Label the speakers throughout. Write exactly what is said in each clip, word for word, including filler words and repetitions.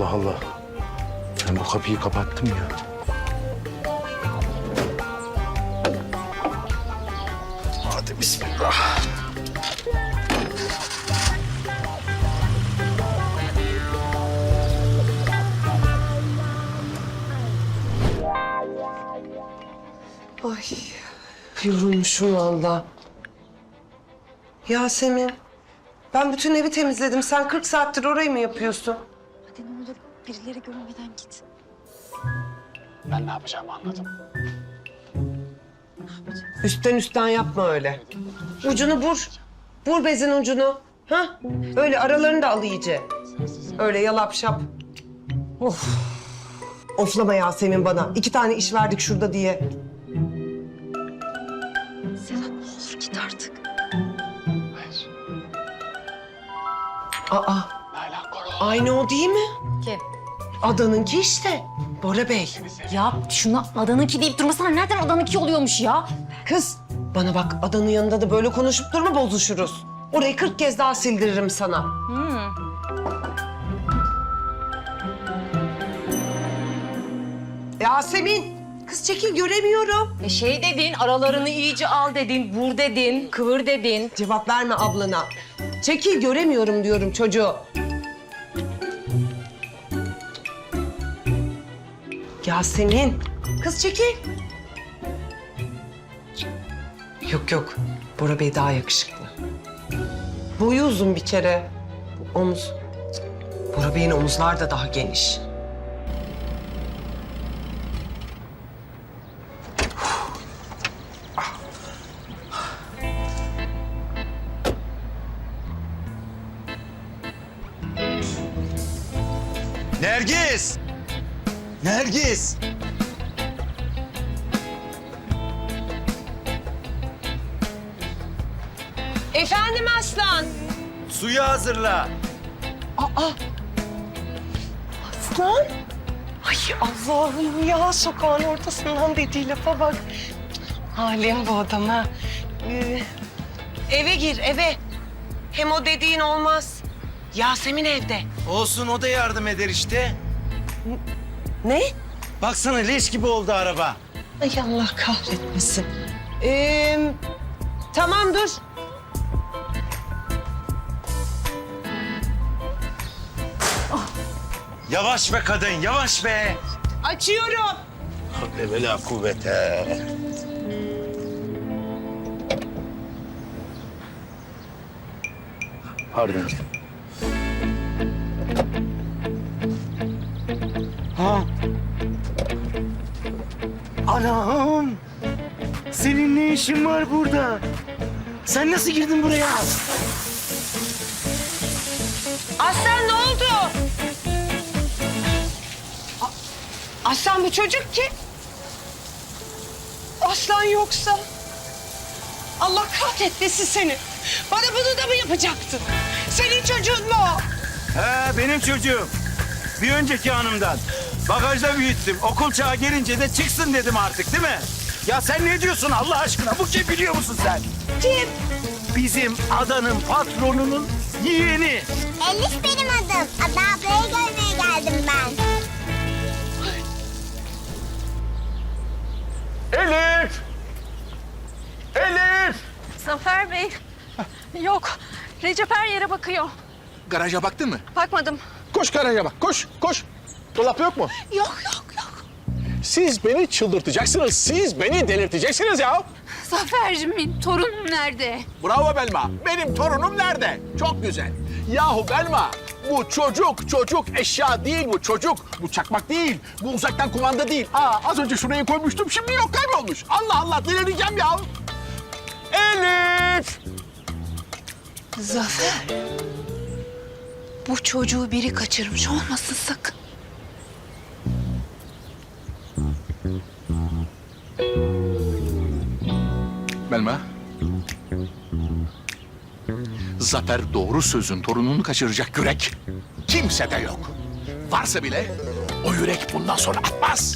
Speaker 1: Allah Allah. Ben bu kapıyı kapattım ya. Hadi bismillah.
Speaker 2: Ay, yorulmuşum valla. Yasemin, ben bütün evi temizledim. Sen kırk saattir orayı mı yapıyorsun?
Speaker 3: Hadi ne olur birileri görmeden git.
Speaker 1: Ben ne yapacağımı anladım.
Speaker 2: Üstten üstten yapma öyle. Ucunu vur. Vur bezin ucunu. Ha? Öyle aralarını da al iyice. Öyle yalap şap. Of. Oflama Yasemin bana. İki tane iş verdik şurada diye.
Speaker 3: Sedat ne olur git artık.
Speaker 1: Hayır.
Speaker 2: Aa,
Speaker 1: Nalan Koro.
Speaker 2: aynı o değil mi?
Speaker 3: Kim?
Speaker 2: Adanınki işte. Bora Bey.
Speaker 3: Ya şuna adanınki deyip durmasana. Nereden adanınki oluyormuş ya?
Speaker 2: Kız, bana bak adanın yanında da böyle konuşup durma, bozuşuruz. Orayı kırk kez daha sildiririm sana.
Speaker 3: Hmm.
Speaker 2: Yasemin, kız çekil göremiyorum.
Speaker 3: E şey dedin, aralarını iyice al dedin, vur dedin, kıvır dedin.
Speaker 2: Cevap verme ablana. Çekil göremiyorum diyorum çocuğu. Yasemin, kız çekil. Yok yok, Bora Bey daha yakışıklı. Boyu uzun bir kere. Bu omuz. Bora Bey'in omuzlar da daha geniş.
Speaker 1: Nergis! Nergis!
Speaker 2: Efendim Aslan.
Speaker 1: Suyu hazırla.
Speaker 2: Aslan? Ay Allah'ım ya, sokağın ortasından dediği lafa bak. Halim bu adam ha. Ee, eve gir eve. Hem o dediğin olmaz. Yasemin evde.
Speaker 1: Olsun, o da yardım eder işte.
Speaker 2: Ne?
Speaker 1: Baksana leş gibi oldu araba.
Speaker 2: Ay Allah kahretmesin. Ee, tamam dur.
Speaker 1: Yavaş be kadın, yavaş be.
Speaker 2: Açıyorum.
Speaker 1: Havle ve la kuvvete. Pardon.
Speaker 4: Ha? Anam! Senin ne işin var burada? Sen nasıl girdin buraya?
Speaker 2: Aslan ne oldu? A- Aslan bu çocuk kim? Aslan yoksa? Allah kahretmesin seni. Bana bunu da mı yapacaktın? Senin çocuğun mu o?
Speaker 4: He, benim çocuğum. Bir önceki hanımdan. Bagajda büyüttüm. Okul çağı gelince de çıksın dedim artık, değil mi? Ya sen ne diyorsun Allah aşkına? Bu kim biliyor musun sen?
Speaker 2: Kim?
Speaker 4: Bizim adanın patronunun yeğeni.
Speaker 5: Elif benim adım. Ada ablayı görmeye geldim ben.
Speaker 4: Elif! Elif!
Speaker 6: Zafer Bey. Yok. Recep her yere bakıyor.
Speaker 7: Garaja baktın mı?
Speaker 6: Bakmadım.
Speaker 7: Koş garaja bak, koş, koş. Dolap yok mu?
Speaker 6: Yok yok yok.
Speaker 7: Siz beni çıldırtacaksınız, siz beni delirteceksiniz ya.
Speaker 6: Zafercimin torunum nerede?
Speaker 7: Bravo Belma, benim torunum nerede? Çok güzel. Yahu Belma, bu çocuk, çocuk eşya değil bu çocuk. Bu çakmak değil, bu uzaktan kumanda değil. Aa, az önce şuraya koymuştum, şimdi yok, kaybolmuş. Allah Allah, delireceğim ya. Elif!
Speaker 6: Zafer. Bu çocuğu biri kaçırmış olmasın sakın.
Speaker 7: Belma. Zafer doğru sözün torununu kaçıracak yürek kimsede yok. Varsa bile o yürek bundan sonra atmaz.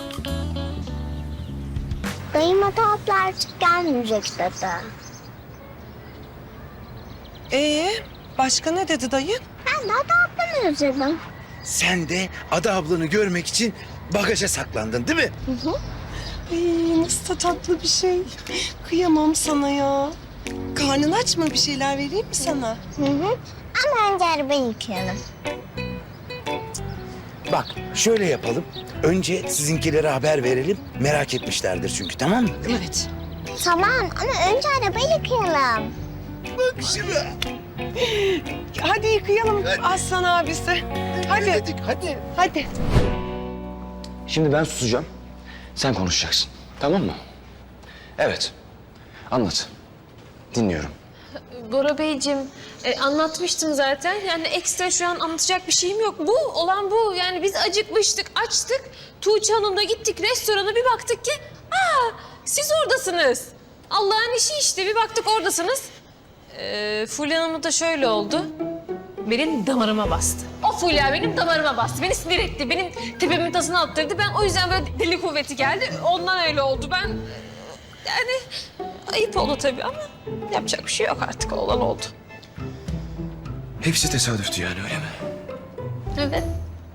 Speaker 5: Dayım Ada abla artık gelmeyecek dedi.
Speaker 2: Ee, başka ne dedi dayı?
Speaker 5: Ben de Ada ablamı özledim.
Speaker 1: Sen de Ada ablanı görmek için bagaja saklandın değil mi?
Speaker 2: Ay nasıl da tatlı bir şey. Kıyamam sana ya. Karnın aç mı? Bir şeyler vereyim mi sana?
Speaker 5: Hı hı. Ama önce arabayı yıkayalım.
Speaker 1: Bak şöyle yapalım. Önce sizinkilere haber verelim. Merak etmişlerdir çünkü, tamam mı?
Speaker 2: Evet.
Speaker 5: Tamam ama önce arabayı yıkayalım.
Speaker 1: Bak şuna.
Speaker 2: Hadi yıkayalım Aslan abisi. Hadi.
Speaker 1: Hadi, hadi.
Speaker 2: Hadi.
Speaker 8: Şimdi ben susacağım. Sen konuşacaksın. Tamam mı? Evet. Anlat. Dinliyorum.
Speaker 9: Bora Beyciğim, e, anlatmıştım zaten. Yani ekstra şu an anlatacak bir şeyim yok. Bu, olan bu. Yani biz acıkmıştık, açtık. Tuğçe Hanım'la gittik restorana, bir baktık ki... Aa, siz oradasınız. Allah'ın işi işte, bir baktık oradasınız. Ee, Fulya Hanım'la da şöyle oldu. Benim damarıma bastı. O Fulya benim damarıma bastı. Beni sinir etti. Benim tepemin tasını attırdı. Ben o yüzden böyle deli kuvveti geldi. Ondan öyle oldu. Ben... Yani ayıp oldu tabii ama yapacak bir şey yok artık. Olan oldu.
Speaker 8: Hepsi tesadüftü yani, öyle mi?
Speaker 9: Evet.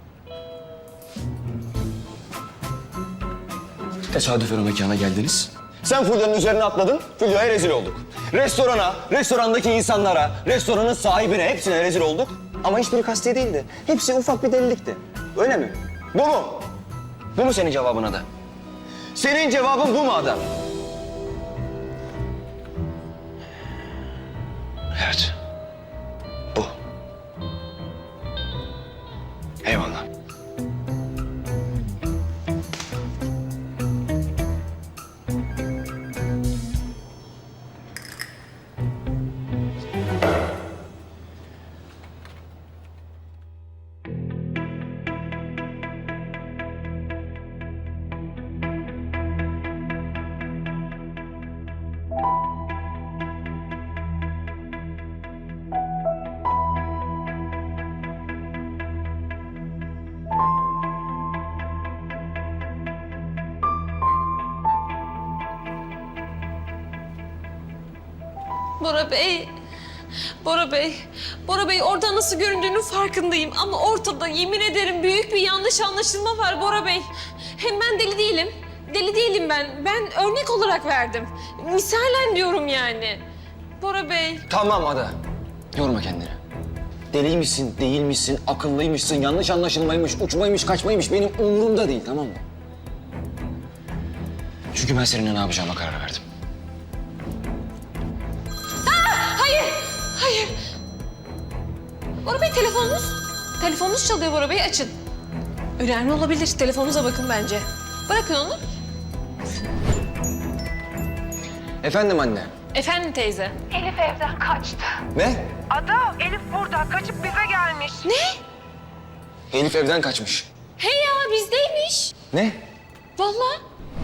Speaker 8: Tesadüfen o mekana geldiniz. Sen Fulya'nın üzerine atladın, Fulya'ya rezil olduk. Restorana, restorandaki insanlara, restoranın sahibine, hepsine rezil olduk. Ama hiçbiri kasti değildi. Hepsi ufak bir delilikti. Öyle mi? Bu mu? Bu mu senin cevabın Ada? Senin cevabın bu mu Ada? Evet. Bu. Eyvallah.
Speaker 9: Bora Bey, Bora Bey, Bora Bey orada nasıl göründüğünün farkındayım. Ama ortada yemin ederim büyük bir yanlış anlaşılma var Bora Bey. Hem ben deli değilim, deli değilim ben. Ben örnek olarak verdim. Misalen diyorum yani. Bora Bey.
Speaker 8: Tamam Ada. Yorma kendini. Deliymişsin, değil misin, akıllıymışsın, yanlış anlaşılmaymış, uçmaymış, kaçmaymış benim umurumda değil, tamam mı? Çünkü ben seninle ne yapacağıma karar verdim.
Speaker 9: Hayır, hayır. Bora Bey telefonunuz. Telefonunuz çalıyor Bora Bey, açın. Önemli olabilir, telefonunuza bakın bence. Bırakın onu.
Speaker 8: Efendim anne.
Speaker 9: Efendim teyze.
Speaker 2: Elif evden kaçtı.
Speaker 8: Ne?
Speaker 2: Ada, Elif burada. Kaçıp bize gelmiş.
Speaker 9: Ne?
Speaker 8: Elif evden kaçmış.
Speaker 9: Hey ya, bizdeymiş.
Speaker 8: Ne?
Speaker 9: Vallahi.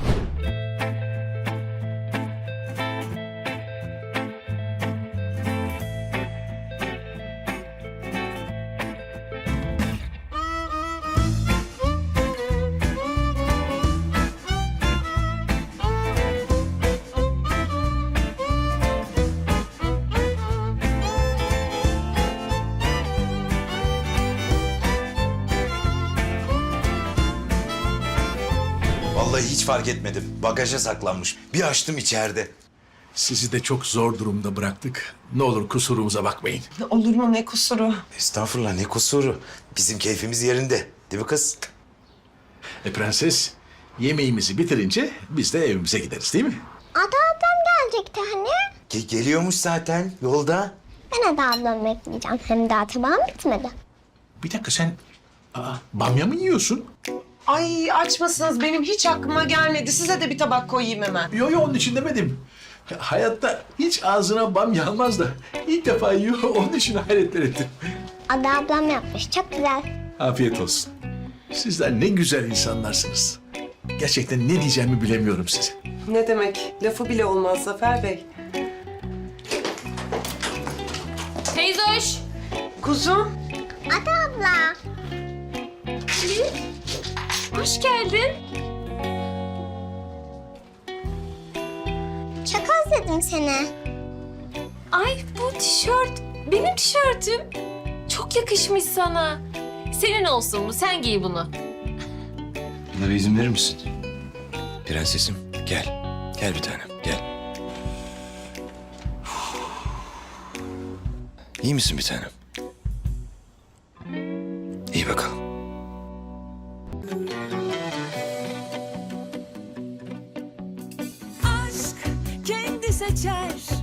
Speaker 1: Vallahi hiç fark etmedim. Bagaja saklanmış. Bir açtım içeride.
Speaker 7: Sizi de çok zor durumda bıraktık. Ne olur kusurumuza bakmayın.
Speaker 2: Olur mu ne kusuru?
Speaker 1: Estağfurullah, ne kusuru. Bizim keyfimiz yerinde. Değil mi kız?
Speaker 7: E prenses, yemeğimizi bitirince biz de evimize gideriz değil mi?
Speaker 5: Ada ablam gelecekti hani.
Speaker 1: Ge- geliyormuş zaten yolda.
Speaker 5: Ben Ada ablamı bekleyeceğim. Hem daha tabağım bitmedi.
Speaker 7: Bir dakika sen aa, bamya mı yiyorsun?
Speaker 2: Ay açmasınız. Benim hiç aklıma gelmedi. Size de bir tabak koyayım hemen.
Speaker 7: Yo yo onun için demedim. Hayatta hiç ağzına bamya almaz da ilk defa yiyor, onun için hayretler ettim.
Speaker 5: Ada ablam yapmış. Çok güzel.
Speaker 7: Afiyet olsun. Sizler ne güzel insanlarsınız. Gerçekten ne diyeceğimi bilemiyorum size.
Speaker 2: Ne demek? Lafı bile olmaz Zafer Bey.
Speaker 9: Teyze hoş.
Speaker 2: Kuzum.
Speaker 5: Ada abla.
Speaker 9: Hoş geldin.
Speaker 5: Çok özledim seni.
Speaker 9: Ay bu tişört benim tişörtüm. Çok yakışmış sana. Senin olsun bu. Sen giy bunu.
Speaker 8: Buna bir izin verir misin? Prensesim gel. Gel bir tanem gel. İyi misin bir tanem? İyi bakalım.
Speaker 10: Aşk kendi seçer